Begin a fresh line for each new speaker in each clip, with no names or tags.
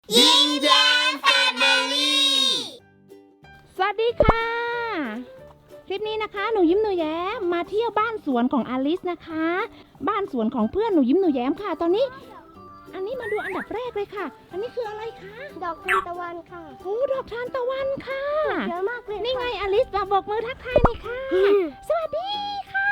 ยิ้มแย้มแฟมิลี่
สวัสดีค่ะคลิปนี้นะคะหนูยิ้มหนูแย้มมาเที่ยวบ้านสวนของอลิสนะคะบ้านสวนของเพื่อนหนูยิ้มหนูแย้มค่ะตอนนี้อันนี้มาดูอันดับแรกเลยค่ะอันนี้คืออะไรคะ
ดอกทานตะวันค่ะ
โอ้ดอกทานตะวันค่ะ
เยอะมากเลย
นี่ไงอลิสมาบอกมือทักทายเลยค่ะสวัสดีค่ะ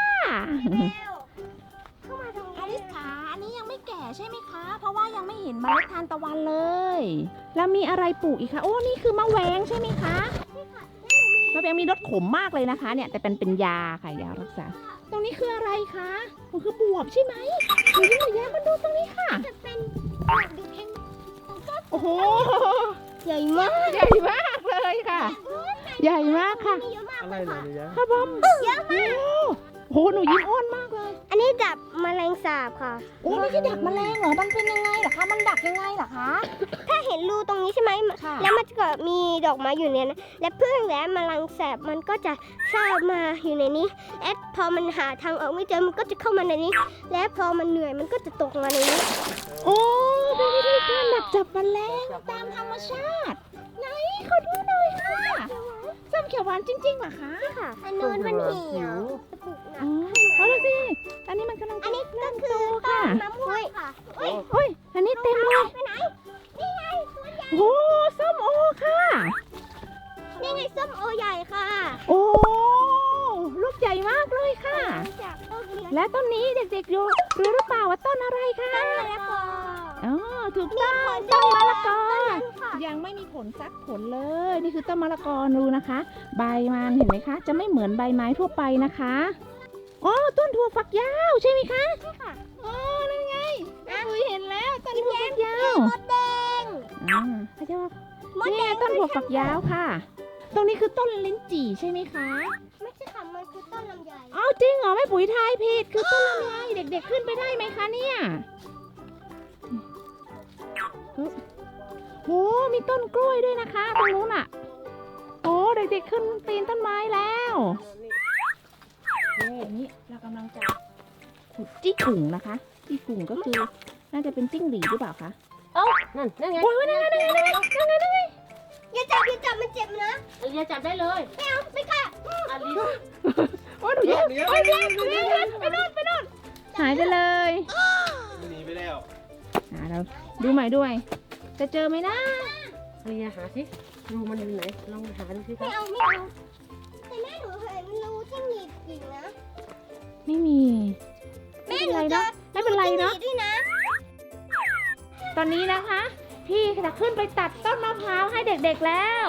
เข้ามาตรง
อลิสขาอันนี้ยังไม่แก่ใช่ไหมคะเพราะว่ายังไม่เห็นเมล็ดทานตะวันเลยแล้วมีอะไรปลูกอีกคะโอ้นี่คือมะแวงใช่ไหมคะมะแวงมีรสขมมากเลยนะคะเนี่ยแต่เป็นยาค่ะยารักษาตรงนี้คืออะไรคะมันคือบวบใช่ไหมหนูยิ้มหนูแย้มมาดูตรงนี้ค่ะ
จะเป็นดูแพง
โอ้โห
ใหญ่มาก
ใหญ่มากเลยค่ะ ใหญ่มากค่ะ
เยอะมาก
อะไรนะเนี่ย
ค่ะบอมเยอะมากโอ้โหหนูยิ้มอ้วนมากเลย
อันนี้ดับแมลงสาบค่ะ
โอ้ไม่ใช่ดักแมลงเหรอมันเป็นยังไงเหรอคะมันดักยังไงเหรอคะ
ถ้าเห็นรูตรงนี้ใช่ไหม
ค่ะ
แล้วมันก็มีดอกไม้อยู่เนี่ยนะและพึ่งและแมลงสาบมันก็จะเข้ามาอยู่ในนี้และพอมันหาทางออกไม่เจอมันก็จะเข้ามาในนี้ และพอมันเหนื่อยมันก็จะตกมาในนี้
โอ้เป็นวิธีการดักจับแมลงตามธรรมชาติไหนขอดูหน่อยค่ะส้มเขียวหวานจริงๆเหรอคะ
ค่ะอันนู้นมันเหี่ยวจะปลูกหนั
อ๋
ก
อเอาละสิอันนี้มันกำลัง
อันนี้ก็
เริ่ม
คื
โต
อต้
ค่ะ
นมะม่วงค่ะ
โอ้ยอันนี้เต็มเลย
ไปไหนนี่ไงตัวใหญ่
โอ้ส้มโอค่ะ
นี่ไงส้มโอใหญ่ค่ะ
โอ้ลูกใหญ่มากเลยค่ะ
จากต้นเลี้ยง
และต้นนี้เด็กๆรู้หรือเปล่าว่าต้นอะไรคะ
ต้นมะละกอ
อ๋อถูกต้อง
มีผล
ต้นมะละกอ
ต้นนั้นค่ะ
ยังไม่มีผลสักผลเลย นี่คือต้นมะละกอดูนะคะ ใบมันเห็นไหมคะ จะไม่เหมือนใบไม้ทั่วไปนะคะอ๋อต้นถั่วฝักยาวใช่ไหมคะ
ใช่ค่ะ
อ๋อนั่นไงคุยเห็นแล้วต้นถั่วฝักยาว
มดแดง
อ่าเขาจะว่าม
ด
นี่
แด
ไง
ง
ต้นถั่วฝักยาวค่ะ ตรงนี้คือต้นลิ้นจี่ใช่ไหมคะ
ไม่ใช่ค่ะมันคือต้นลำไย
อ้าวจริงเหรอแม่ปุ๋ยทายผิดคือต้นลำไยเด็กๆขึ้นไปได้ไหมคะเนี่ยโหมีต้นกล้วยด้วยนะคะตรงนู้นอ่ะโอ้เด็กๆขึ้นปีนต้นไม้แล้วนี่เรากำลังจะขุดจี้กุ่งนะคะจี้กุ่งก็คือน่าจะเป็นจิ้งหรีดหรือเปล่าคะ
นั่นไง
โอ้ยนั่นไงนั่นไง
อย่าจับมันเจ็บนะ
อลิซจับได้เลย
ไม่เอาไม่ค่ะ
อลิซ
โอ้ยหนูแย่โอ้ยแย่ไปโน่นหายไปเลย
หนีไปแล้ว
เราดูใหม่ด้วยจะเจอไหมนะ
อลิซหาสิรูมันอยู่ไหนลองหาดูสิค
ไม่
รับ
เอาแต่แม่หนูเห็นรูที่หนีบกิ่งนะ
ไม่มี
แม่
ไม่
ห
เป็น
นู
ไร
เจอ
เนาะไม่เป็นไรเนาะ
รูที่หนีบด้วยนะ
ตอนนี้นะคะ พี่จะขึ้นไปตัดต้นมะพร้าวให้เด็กๆแล้ว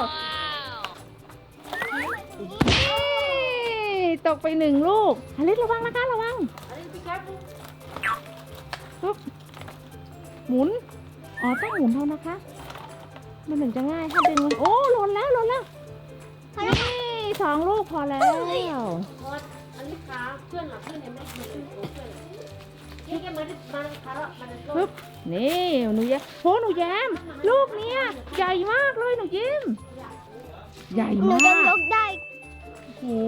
นี่ตกไป1 ลูกอลิสระวังนะคะระวัง
อลิซพี่ครับ
ปุ๊บหมุนอ๋อต้องหมุนเท่านะคะมันถึงจะง่ายถ้าดึงมันโอ้หล่นแล้วนี่2 ลูกพอแล้ว
พออลิซขาเพื่อนหลับเพื่อนเนี่ยไม่ขึ้นโอ้เพื่อนนี่แกมาขาแล้วมันจะ
ปึ๊บนี่หนูแย้มโหหนูแย้มลูกเนี้ยใหญ่มากเลยหนูยิ้มใหญ่
หนู
มา
จะย
ก
กได้
โอ้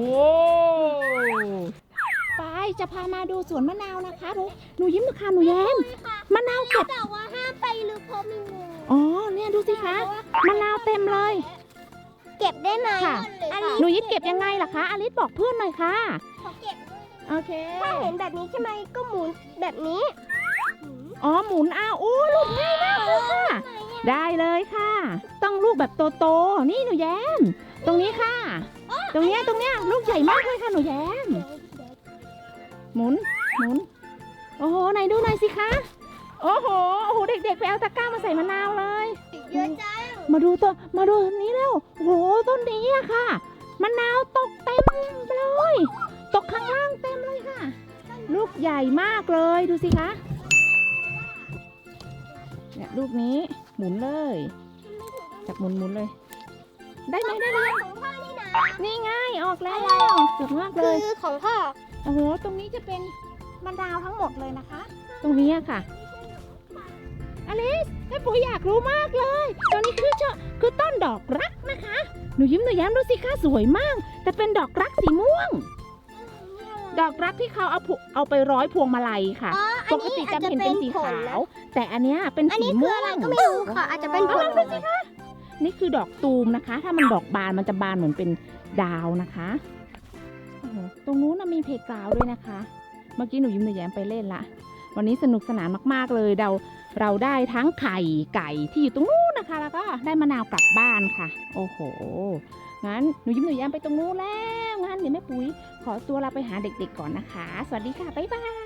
ไปจะพามาดูสวนมะนาวนะคะหนูยิ้มหนูค่ะหนูแย้มมะนาวเก็บ
แต่ว่าห้ามไปลึกเพราะมีงู
อ๋อเนี่ยดูสิคะมะนาวเต็มเลย
เก็บได้ไหม
ค่ะ
อัน
หนูยิ้มเก็บยังไงล่ะคะอลิสบอกเพื่อนหน่อยค่ะ
ขอเก็บ
โอเค
ถ้าเห็นแบบนี้ใช่ไหมก็หมุนแบบนี้
อ๋อหมุนอ้าวโอ้ลูกง่ายมากเลยค่ะ ได้เลยค่ะ ต้องลูกแบบโตๆนี่หนูแย้มตรงนี้ค่ะ ตรงเนี้ยลูกใหญ่มากเลยค่ะหนูแย้มหมุนโอ้โหไหนดูหน่อยสิคะโอ้โหเด็กๆไปเอาตะกร้ามาใส่มะนาวเลย
เยอะจัง
มาดูนี้แล้วโอ้โหต้นนี้อะค่ะมะนาวตกเต็มเลยตกข้างล่างเต็มเลยค่ะ ลูกใหญ่มากเลยดูสิคะเนี่ยลูกนี้หมุนเลยจับหมุนเลย ได้ไหมได้เลย
ของพ่อนี่นะ
นี่ไงออกแล้วเกือบมากเล
คื
ย
อของพ่อ
โอ้โหตรงนี้จะเป็นมะนาวทั้งหมดเลยนะคะ ตรงนี้อะค่ะอลิสแม่ปุ๋ยอยากรู้มากเลยตรงนี้คือต้นดอกรักนะคะหนูยิ้มหนูแย้มดูสิคะสวยมาก แต่เป็นดอกรักสีม่วง เดอกรักที่เขาเอาไปร้อยพวงมาลัยค่ะ
อ๋อ
ปกติจะเห็นเป็นสีขาว แต่อันเนี้ยเป็น
อัน
สี
นี้คือ
ม่ว
อะไร
ง
ก็ไม่รู้ค่ะ อาจจะเป็นผล
นี่คือดอกตูมนะคะ ถ้ามันดอกบานมันจะบานเหมือนเป็นดาวนะคะโอ้โหตรงนู้นนะมีเพลย์กราวด์ด้วยนะคะ เมื่อกี้หนูยิ้มหนูแย้มไปเล่นละ วันนี้สนุกสนานมากๆเลยเราได้ทั้งไข่ไก่ที่อยู่ตรงนู้นนะคะ แล้วก็ได้มะนาวกลับบ้านค่ะ โอ้โห งั้นหนูยิ้มหนูแย้มไปตรงนู้นแล้ว งั้นเดี๋ยวแม่ปุ๋ยขอตัวเราไปหาเด็กๆก่อนนะคะ สวัสดีค่ะ บ๊ายบาย